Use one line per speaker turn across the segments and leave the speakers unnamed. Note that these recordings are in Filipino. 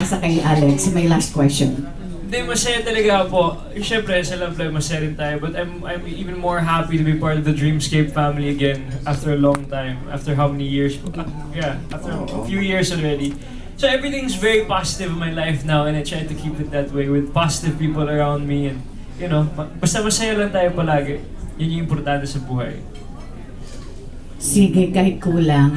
ipapasa kay Alex, may last question.
Hindi, masaya talaga po. Siyempre, sa Love Live, masaya rin tayo. But I'm even more happy to be part of the Dreamscape family again after a long time. After how many years? Yeah, after a few years already. So everything's very positive in my life now and I try to keep it that way with positive people around me. And, you know, basta masaya lang tayo palagi. Yun yung importante sa buhay.
Sige, kahit kulang.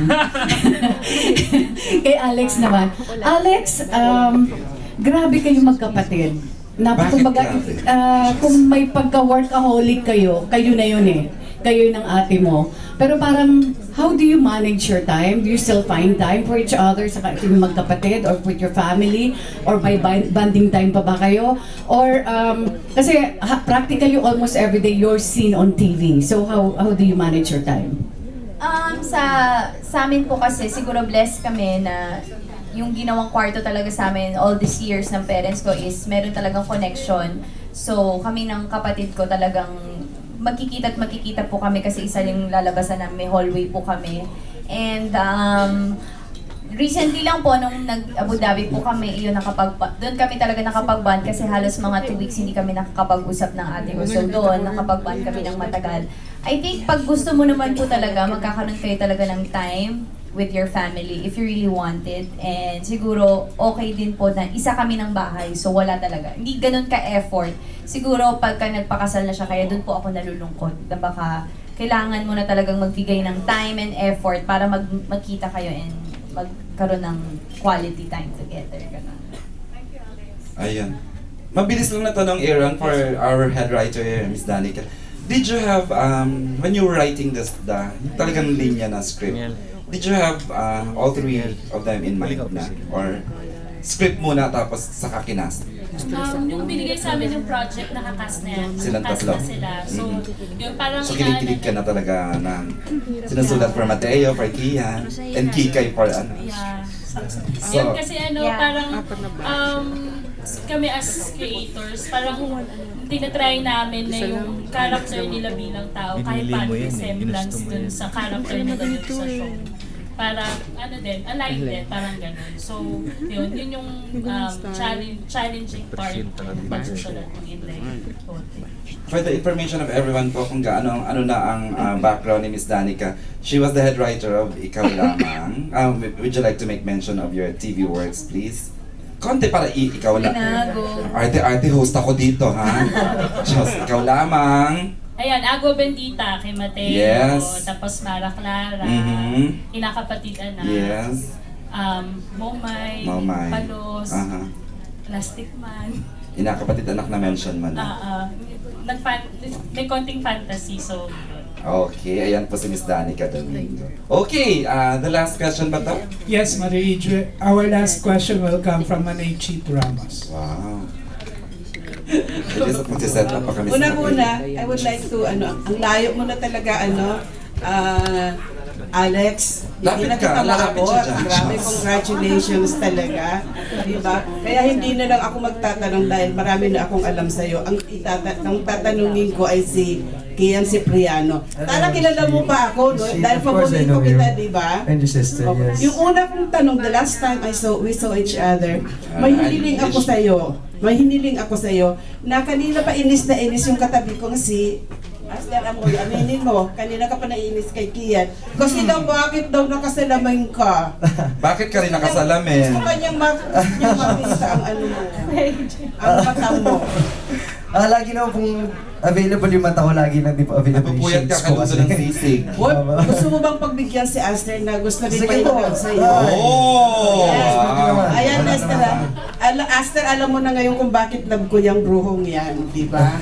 Kay Alex naman. Alex, grabe kayo magkapatid. Kumbaga, kung may pagka-workaholic kayo, kayo na yun eh. Kayo ng ate mo. Pero parang, how do you manage your time? Do you still find time for each other sa yung magkapatid or with your family? Or may bonding time pa ba kayo? Or, kasi practically almost every day you're seen on TV. So how do you manage your time?
Sa amin po kasi, siguro blessed kami na yung ginawang kwarto talaga sa amin all these years ng parents ko is meron talagang connection. So, kami ng kapatid ko talagang magkikita po kami kasi isa yung lalabasan na may hallway po kami. And recently lang po, nung nag-Abu Dhabi po kami, doon kami talaga nakapag-bond kasi halos mga 2 weeks hindi kami nakakapag-usap ng ate ko. So doon, nakapag-bond kami ng matagal. I think pag gusto mo naman po talaga, magkakaroon kayo talaga ng time with your family if you really want it. And siguro, okay din po na isa kami ng bahay, so wala talaga. Hindi ganun ka-effort. Siguro, pagka nagpakasal na siya, kaya doon po ako nalulungkot. Na baka kailangan mo na talagang magbigay ng time and effort para magkita kayo and magkaroon ng quality time together. Ganun. Thank you, Alex.
Ayun. Mabilis lang na tanong, Aaron, for our head writer, Miss Danica. Did you have, when you were writing talagang linya na script, did you have all 3 of them in mind na? Or script muna tapos saka kinast?
Yung binigay sa amin yung project, nakakas na yan.
Silang
Nakakas
tatlo?
na sila. So, yung parang
So kinikilig ka na talaga na sinusulat for Mateo, for Kian, and Kikay for ano?
Yeah.
So,
Yun kasi
Yeah.
parang kami as creators, parang tinatry namin na yung character nila bilang tao, kahit paano resemblance dun sa character na ganun sa show. Para, align din, parang ganun. So, yun yung challenging part ng pagsusulat ng Inlay.
for the information of everyone po kung ano na ang background ni Miss Danica, she was the head writer of Ikaw Lamang. Would you like to make mention of your TV works, please? Konti para ikaw lang. Arte host ako dito, ha? Just Ikaw Lamang.
Ayan, Agua Bendita kay Mateo,
Yes.
tapos Mara Clara, Inakapatid Anak,
Yes.
Momay,
Momay.
Palos, Plastic Man.
Inakapatid anak na mention man.
May konting fantasy, so yun.
Okay, ayan po si Miss Danica Domingo. Okay, the last question ba to?
Yes, Marie Idre. Our last question will come from Manay Chief Ramos.
Wow. Magsiset up pa kami sa
Una-una, I would like to, ang layo mo na talaga, Alex, hindi
Lapit
na
ka,
kita
lalapit
maabot.
siya dyan.
Grabe, congratulations talaga. Diba? Kaya hindi na lang ako magtatanong dahil marami na akong alam sa'yo. Ang tatanungin ko ay si Kian Cipriano. Tara, kilala mo pa ako, no? Dahil paborito kita, diba?
And your sister, yes.
Yung una kong tanong, the last time we saw each other, may hiniling ako sa'yo. May hiniling ako sa'yo na kanina pa inis na inis yung katabi kong si Aster Amoy. Aminin mo, kanina ka pa nainis kay Kian. Kasi daw, bakit daw nakasalamin ka?
Bakit ka rin nakasalamin?
Gusto kanyang makita ang ano mo, ang mata mo.
Lagi naman pong available yung mata ko, lagi lang di po available yung
Napupuyat ka
shades ko
kaluto ng sisig.
What? Gusto mo bang pagbigyan si Aster na gusto rin
Sige po.
pa sa'yo?
Oh!
Yes.
Wow!
Ayan, Aster. Aster, alam mo na ngayon kung bakit love ko yung bruhong yan, di ba?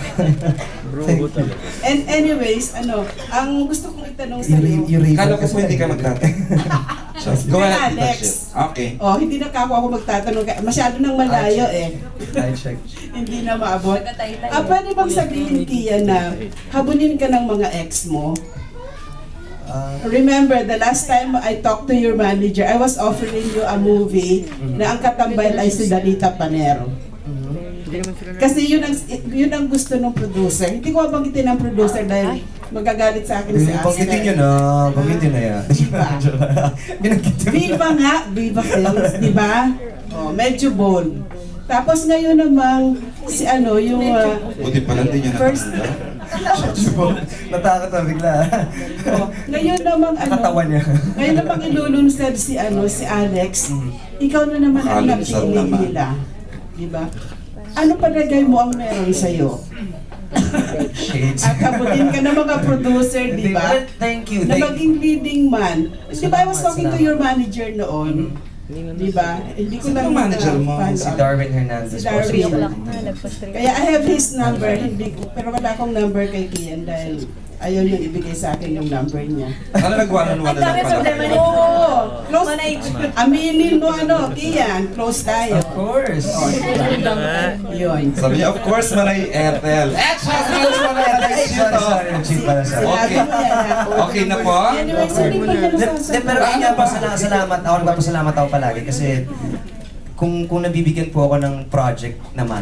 And anyways, ang gusto kong itanong sa iyo.
Kala ko po hindi ka magtatanong. Go ahead,
Alex.
Tita Shit. Okay.
Oh, hindi na ako magtatanong. Masyado nang malayo eh.
I check.
Hindi na maabot. Pwede bang sabihin, Kian, na habulin ka ng mga ex mo? Remember, the last time I talked to your manager, I was offering you a movie na ang katambal ay si Danita Panero. Kasi yun ang gusto ng producer. Hindi ko banggitin ng producer dahil magagalit sa akin si Aster.
Banggitin nyo na, banggitin na yan.
Viva nga, Viva Films, di ba? Oh, medyo bold. Tapos ngayon namang si ano, yung
Buti pala hindi niya
First-
nakatanda.
Natakot na bigla.
ngayon namang
Nakatawa niya.
ngayon namang ilulunsad si si Alex. Ikaw na naman ang
Makalunsad
napili
naman.
nila. Di ba? Ano palagay mo ang meron sa'yo?
Shades.
At abutin ka ng mga producer, di ba?
Thank you.
Na maging leading man. Di ba, I was talking to your manager noon. Di ba? Hindi ko lang
Sino manager mo?
find
Si
out.
Darwin Hernandez.
Si Darwin.
po.
Kaya I have his number, hindi ko, pero wala akong number kay Kian dahil ayaw niyang ibigay sa akin yung number niya.
Ano nag-one-on-one na lang pala kayo?
Oo! Close, aminin mo Kian, close tayo.
Of course.
Yun.
Sabi niya, of course, Manay Ethel.
Sorry, cheap pala sa
Okay.
Sinabi mo yan, ha?
Okay na po?
Anyway, so hindi pa niya nasasabi.
Pero yun nga, pasalamat ako, nagpapasalamat ako palagi kasi kung nabibigyan po ako ng project naman,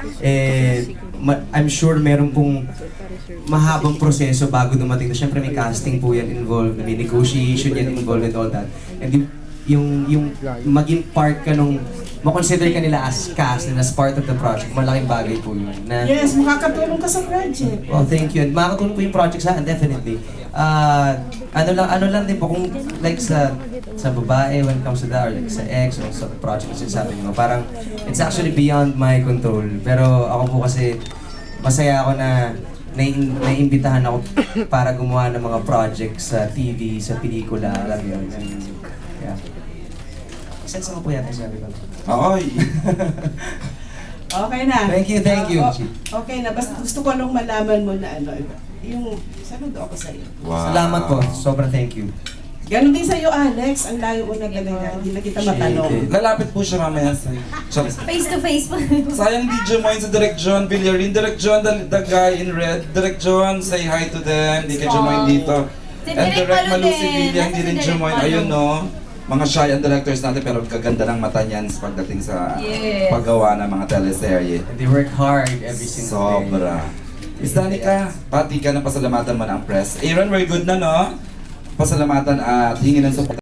I'm sure meron pong mahabang proseso bago dumating. Siyempre may casting po yan involved, may negotiation yan involved and all that. And yung maging part ka nung, makonsider ka nila as cast and as part of the project, malaking bagay po yun. Na,
Yes, makakatulong ka sa project.
well, thank you. And makakatulong po yung project sa akin, definitely. Ano lang din po, kung like sa babae when it comes to that, or like sa ex, or sa project na sinasabi mo, parang it's actually beyond my control. Pero ako po kasi, masaya ako na naiimbitahan ako para gumawa ng mga projects sa TV, sa pelikula, alam mo yun. And, yeah. Sense mo po yan, sabi ko.
Oy.
Okay na.
Thank you.
Okay na, basta gusto ko lang malaman mo na yung saludo ako sa'yo.
Wow.
Salamat po. Sobrang thank you.
Ganon din sa'yo, Alex. Ang layo mo na talaga. Hindi na kita matanong.
Lalapit po siya mamaya sa'yo.
Face to face po.
Sayang video mo yun sa Direct John Villarin. Direct John, the guy in red. Direct John, say hi to them. Hindi ka Jumoin dito.
Si
And
Direk
Direct
Malu
Malu si
din.
Villa, hindi
Nasa
rin
si Direk
Jumoin.
Malu.
Ayun no. Mga shy ang directors natin pero kaganda ng mata niyan sa pagdating sa
Yes.
paggawa ng mga teleserye.
And they work hard every single day.
Sobra. Miss Danica, pati ka na pasalamatan mo na ang press. Aaron, we're good na no? Pasalamatan at hingin ng support.